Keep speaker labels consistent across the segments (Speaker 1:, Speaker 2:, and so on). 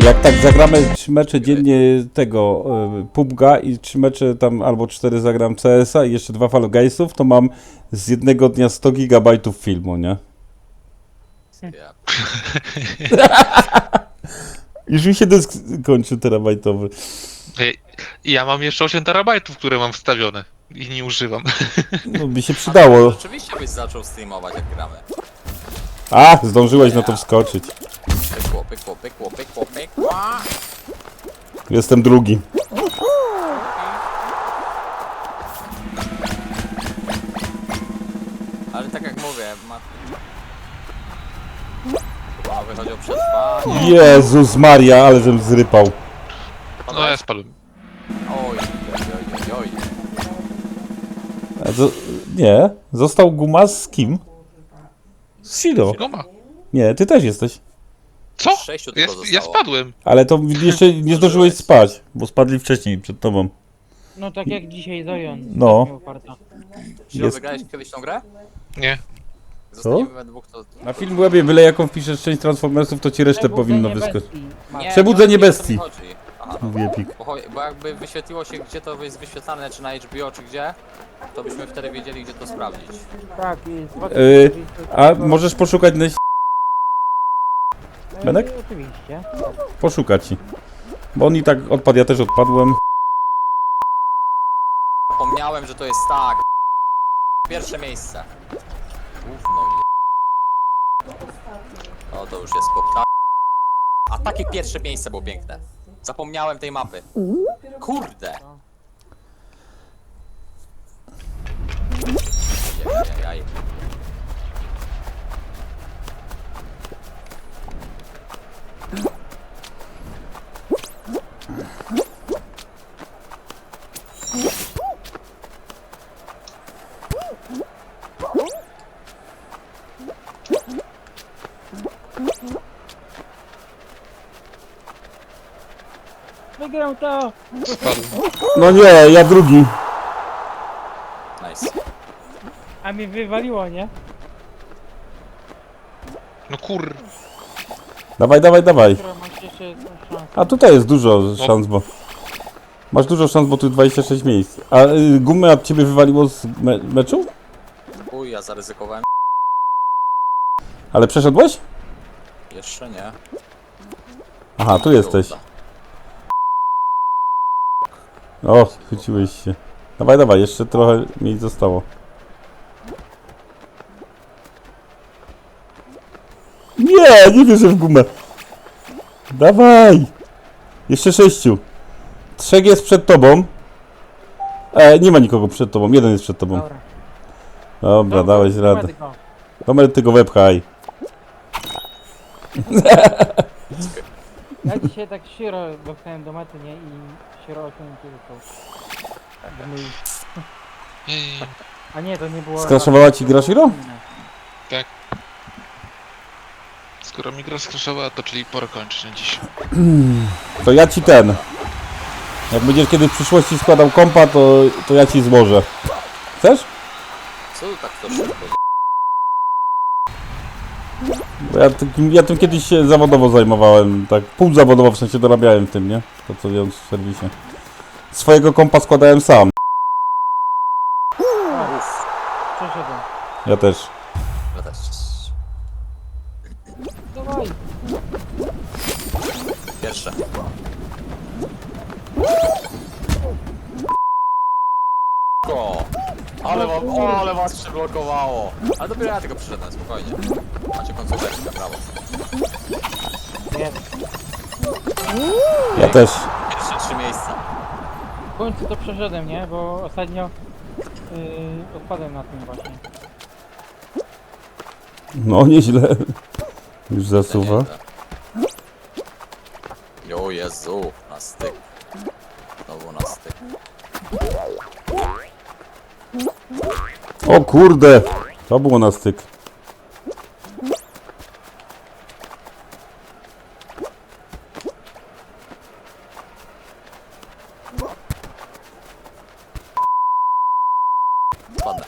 Speaker 1: Jak tak zagramy 3 mecze dziennie tego PUBG'a i 3 mecze tam albo 4 zagram CS-a i jeszcze 2 Fall Guysów, to mam z jednego dnia 100 gigabajtów filmu, nie?
Speaker 2: Ja.
Speaker 1: Już mi się dysk kończy terabajtowy.
Speaker 3: Ja mam jeszcze 8 terabajtów, które mam wstawione i nie używam.
Speaker 1: No by się przydało.
Speaker 2: Rzeczywiście byś zaczął streamować jak gramy.
Speaker 1: A, zdążyłeś na to wskoczyć.
Speaker 2: Pyk.
Speaker 1: Jestem drugi.
Speaker 2: Ale tak jak mówię, chyba wychodzi o przetrwanie.
Speaker 1: Jezus Maria, ale żem zrypał.
Speaker 3: No ja spadłem.
Speaker 2: Oj.
Speaker 1: Nie, został Gumas z kim? Z Shiro.
Speaker 3: Goma.
Speaker 1: Nie, ty też jesteś.
Speaker 3: Co?
Speaker 2: 6
Speaker 3: Ja,
Speaker 2: tylko
Speaker 3: ja
Speaker 2: zostało.
Speaker 3: spadłem.
Speaker 1: Ale to jeszcze nie zdążyłeś spać, bo spadli wcześniej przed tobą.
Speaker 4: No tak jak dzisiaj Zion.
Speaker 1: No.
Speaker 4: Tak miał farta.
Speaker 2: Czy
Speaker 1: Jest.
Speaker 2: wygrałeś kiedyś tą grę?
Speaker 3: Nie.
Speaker 2: Zostaniemy we dwóch, to...
Speaker 1: Na film webie byle jaką wpiszesz część Transformersów, to ci resztę powinno
Speaker 4: Przebudzenie
Speaker 1: wyskoczyć.
Speaker 4: bestii. Ma-
Speaker 2: Nie,
Speaker 1: Przebudzenie
Speaker 2: nie o to mi
Speaker 1: bestii.
Speaker 2: chodzi. Aha,
Speaker 1: Mówi Epic.
Speaker 2: bo jakby wyświetliło się, gdzie to jest wyświetlane, czy na HBO, czy gdzie, to byśmy wtedy wiedzieli, gdzie to sprawdzić.
Speaker 4: Tak, jest.
Speaker 1: A możesz poszukać na... Benek?
Speaker 4: Oczywiście.
Speaker 1: Poszukać ci. Bo on i tak odpadł, ja też odpadłem.
Speaker 2: Zapomniałem, że to jest tak. Pierwsze miejsce. Gówno je... O, to już jest kopta. A takie pierwsze miejsce było piękne. Zapomniałem tej mapy. Kurde! Jaj.
Speaker 4: Wygrał to!
Speaker 3: Spadłem.
Speaker 1: No nie, ja drugi.
Speaker 2: Nice.
Speaker 4: A mnie wywaliło, nie?
Speaker 3: No kur...
Speaker 1: Dawaj.
Speaker 4: Która masz jeszcze szansę.
Speaker 1: A tutaj jest dużo szans, bo... Masz dużo szans, bo tu 26 miejsc. A gumę od ciebie wywaliło z meczu?
Speaker 2: Uj, ja zaryzykowałem.
Speaker 1: Ale przeszedłeś?
Speaker 2: Jeszcze nie.
Speaker 1: Aha, tu jesteś. O, chwyciłeś się. Dawaj, jeszcze trochę miejsc zostało. Nie wierzę w gumę. Dawaj! Jeszcze 6. 3 jest przed tobą. Nie ma nikogo przed tobą, jeden jest przed tobą.
Speaker 4: Dobra.
Speaker 1: Dobra, dałeś radę.
Speaker 4: Prowadzę go.
Speaker 1: Domer, ty go wepchaj.
Speaker 4: Ja dzisiaj tak Shiro dostałem do mety, nie? I Shiro osiągnięcie został. Tak, mój...
Speaker 3: Ej,
Speaker 4: A nie, to nie było...
Speaker 1: Skraszowała ci gra Shiro?
Speaker 3: skoro mi gra skraszowała, to czyli pora kończyć na dziś.
Speaker 1: To ja ci ten. Jak będziesz kiedy w przyszłości składał kompa, to ja ci złożę. Chcesz?
Speaker 2: Co tu tak to szybko?
Speaker 1: Bo ja tym kiedyś się zawodowo zajmowałem, tak półzawodowo, w sensie dorabiałem tym, nie? To co wiąż w serwisie. Swojego kompa składałem sam.
Speaker 4: Przeszedłem.
Speaker 1: Ja też.
Speaker 2: Ja też.
Speaker 4: Dawaj!
Speaker 2: Pierwsze. O, ale was przyblokowało. Ale dopiero ja tego przyszedłem, spokojnie. Macie końcóweczkę, brawo.
Speaker 4: Nie.
Speaker 1: Ja też.
Speaker 2: Pierwsze 3 miejsca.
Speaker 4: W końcu to przeszedłem, nie? Bo ostatnio... odpadłem na tym właśnie.
Speaker 1: No nieźle. Już zasuwa.
Speaker 2: Jo Jezu, na styk. Znowu na styk.
Speaker 1: O kurde! To było na styk.
Speaker 2: Spadnę.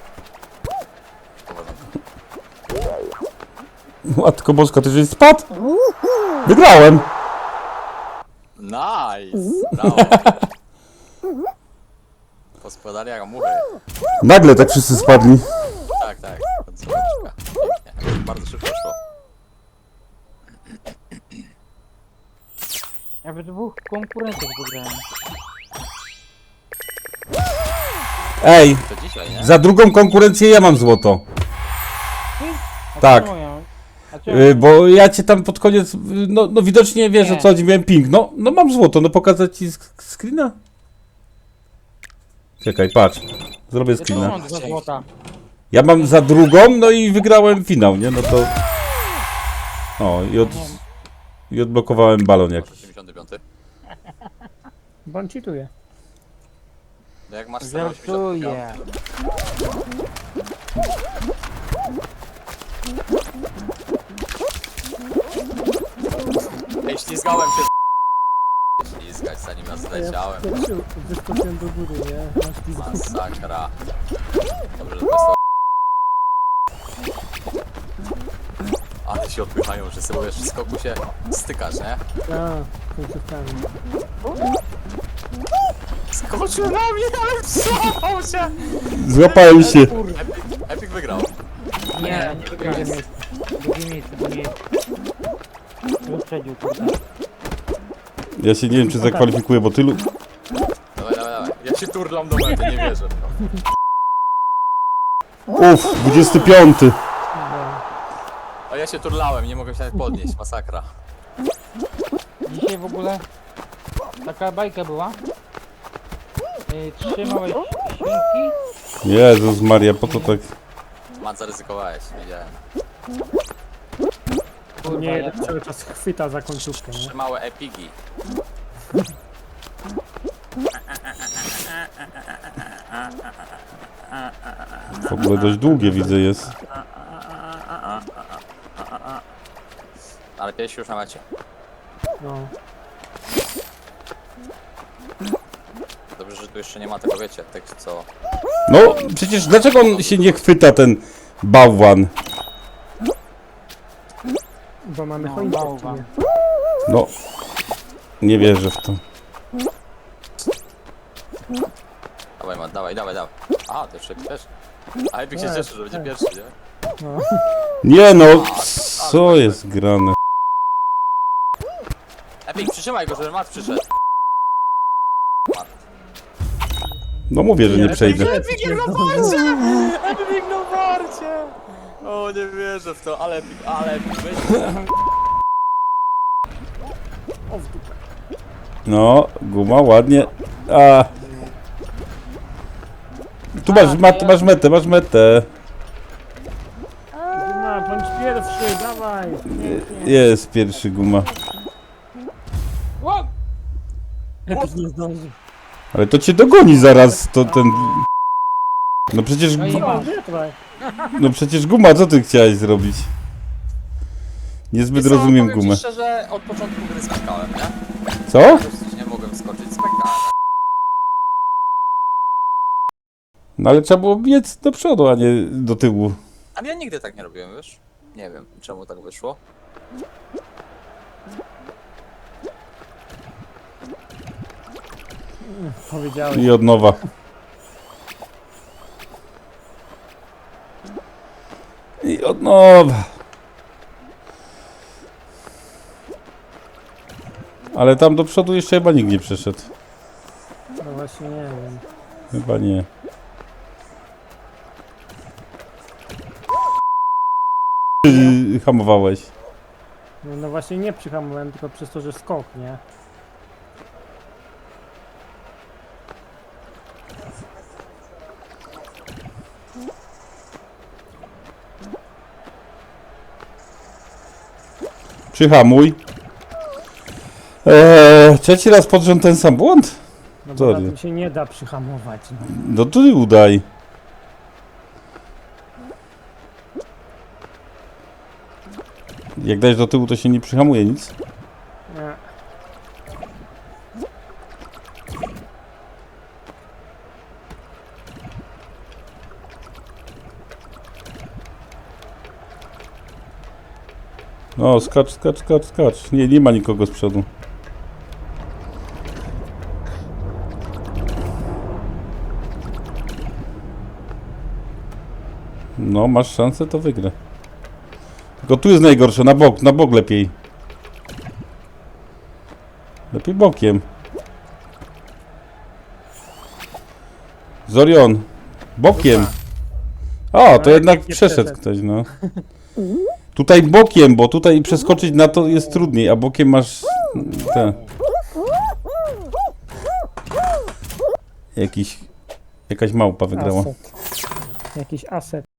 Speaker 1: Matko boska, ty żeś spadł? Wygrałem!
Speaker 2: Nice! Brawo. Poskładali jak muchy.
Speaker 1: Nagle tak wszyscy spadli.
Speaker 2: Tak, tak. Zobaczka. Pięknie. Bardzo szybko szło.
Speaker 4: Ja w dwóch konkurentów wygrałem.
Speaker 1: Ej,
Speaker 2: To dzisiaj, nie?
Speaker 1: za drugą konkurencję ja mam złoto.
Speaker 4: A
Speaker 1: Tak.
Speaker 4: czemu ja? A czemu?
Speaker 1: Bo ja cię tam pod koniec, no widocznie wiesz o
Speaker 4: Nie.
Speaker 1: co chodzi, miałem ping. No mam złoto, no pokazać ci screena? Czekaj, patrz. Zrobię
Speaker 4: Ja też
Speaker 1: screena.
Speaker 4: mam 2 złota.
Speaker 1: Ja mam za drugą, no i wygrałem finał, nie? No to... O, i odblokowałem balon jakiś.
Speaker 2: 85.
Speaker 4: Bo on cheatuje.
Speaker 2: No jak masz 185.
Speaker 4: Żartuję.
Speaker 2: Ej, ślizgałem się. Ślizgać zanim ja zleciałem.
Speaker 5: Wyskoczyłem do góry, nie? Masz pizdę.
Speaker 2: Masakra. Dobrze, że to ale się odpychają, że sobie wiesz, w skoku się stykasz, nie?
Speaker 5: A, końcówkami.
Speaker 2: Skoczył na mnie, ale wstrzymał się!
Speaker 1: Złapałem się.
Speaker 2: Epic wygrał.
Speaker 4: Nie, nie wygrałem. Drugie miejsce. Wyprzedził, kurde.
Speaker 1: Ja się nie wiem, czy zakwalifikuję, bo tylu...
Speaker 2: Dawaj. Ja się turlam do mety, nie wierzę.
Speaker 1: Uff, 25.
Speaker 2: A ja się turlałem, nie mogłem się nawet podnieść, masakra.
Speaker 4: Dzisiaj w ogóle taka bajka była. 3 małe świnki.
Speaker 1: Jezus Maria, po co tak...
Speaker 2: Mat zaryzykowałeś, widziałem.
Speaker 4: Kurwa,
Speaker 5: Nie,
Speaker 4: jak-
Speaker 5: cały czas chwyta za końcówkę, nie?
Speaker 2: 3 małe epigi.
Speaker 1: W ogóle dość długie widzę jest.
Speaker 2: Ale piesi już na mecie.
Speaker 5: No.
Speaker 2: Dobrze, że tu jeszcze nie ma tego, wiecie, tych co...
Speaker 1: No, przecież dlaczego on się nie chwyta, ten bałwan?
Speaker 5: Bo mamy
Speaker 4: No,
Speaker 5: choinkę w
Speaker 4: bałwan.
Speaker 5: ciebie.
Speaker 1: No, nie wierzę w to.
Speaker 2: Dawaj, Mat, dawaj. A, to jeszcze też. A Epic się
Speaker 5: Tak,
Speaker 2: cieszy, że będzie
Speaker 5: tak.
Speaker 2: pierwszy, nie?
Speaker 5: No.
Speaker 1: Nie no, co jest grane?
Speaker 2: Epic, przytrzymaj go, żeby Mat przyszedł.
Speaker 1: No mówię, że nie przejdę.
Speaker 2: Epic na warcie! Epic na warcie! O, nie wierzę w to, ale Epic, weź.
Speaker 5: O, w dupę.
Speaker 1: No, guma, ładnie. A. Tu masz metę.
Speaker 5: Guma, bądź pierwszy, dawaj!
Speaker 1: Jest pierwszy guma.
Speaker 4: Ło!
Speaker 5: Lepiej nie zdąży.
Speaker 1: Ale to cię dogoni zaraz, to ten... No przecież...
Speaker 4: No i
Speaker 5: O,
Speaker 4: masz.
Speaker 5: wytrwaj.
Speaker 1: No przecież guma, co ty chciałeś zrobić? Niezbyt rozumiem
Speaker 2: Powiem
Speaker 1: gumę.
Speaker 2: ci szczerze, od początku gry skakałem, nie?
Speaker 1: Co?
Speaker 2: Dosyć nie mogłem skoczyć, skakałem.
Speaker 1: No ale trzeba było biec do przodu, a nie do tyłu.
Speaker 2: Ale ja nigdy tak nie robiłem, wiesz? Nie wiem, czemu tak wyszło.
Speaker 5: Powiedziałeś.
Speaker 1: I od nowa. I od nowa. Ale tam do przodu jeszcze chyba nikt nie przeszedł.
Speaker 5: No właśnie, nie wiem.
Speaker 1: Chyba nie. Hamowałeś.
Speaker 5: No właśnie nie przyhamowałem, tylko przez to, że skok, nie?
Speaker 1: Przyhamuj. Trzeci raz pod rząd ten sam błąd?
Speaker 5: No bo
Speaker 1: Sorry.
Speaker 5: na tym się nie da przyhamować, no.
Speaker 1: No to ty udaj. Jak dajesz do tyłu, to się nie przyhamuje nic.
Speaker 5: Nie.
Speaker 1: No, skacz, skacz, skacz, skacz. Nie, nie ma nikogo z przodu. No, masz szansę, to wygra. Tylko tu jest najgorsze, na bok lepiej. Lepiej bokiem. Zorion, bokiem. O, to
Speaker 5: No,
Speaker 1: jednak
Speaker 5: nie
Speaker 1: przeszedł
Speaker 5: przeszedł.
Speaker 1: ktoś, no. Tutaj bokiem, bo tutaj przeskoczyć na to jest trudniej, a bokiem masz te. Jakaś małpa wygrała.
Speaker 5: Aset. Jakiś aset.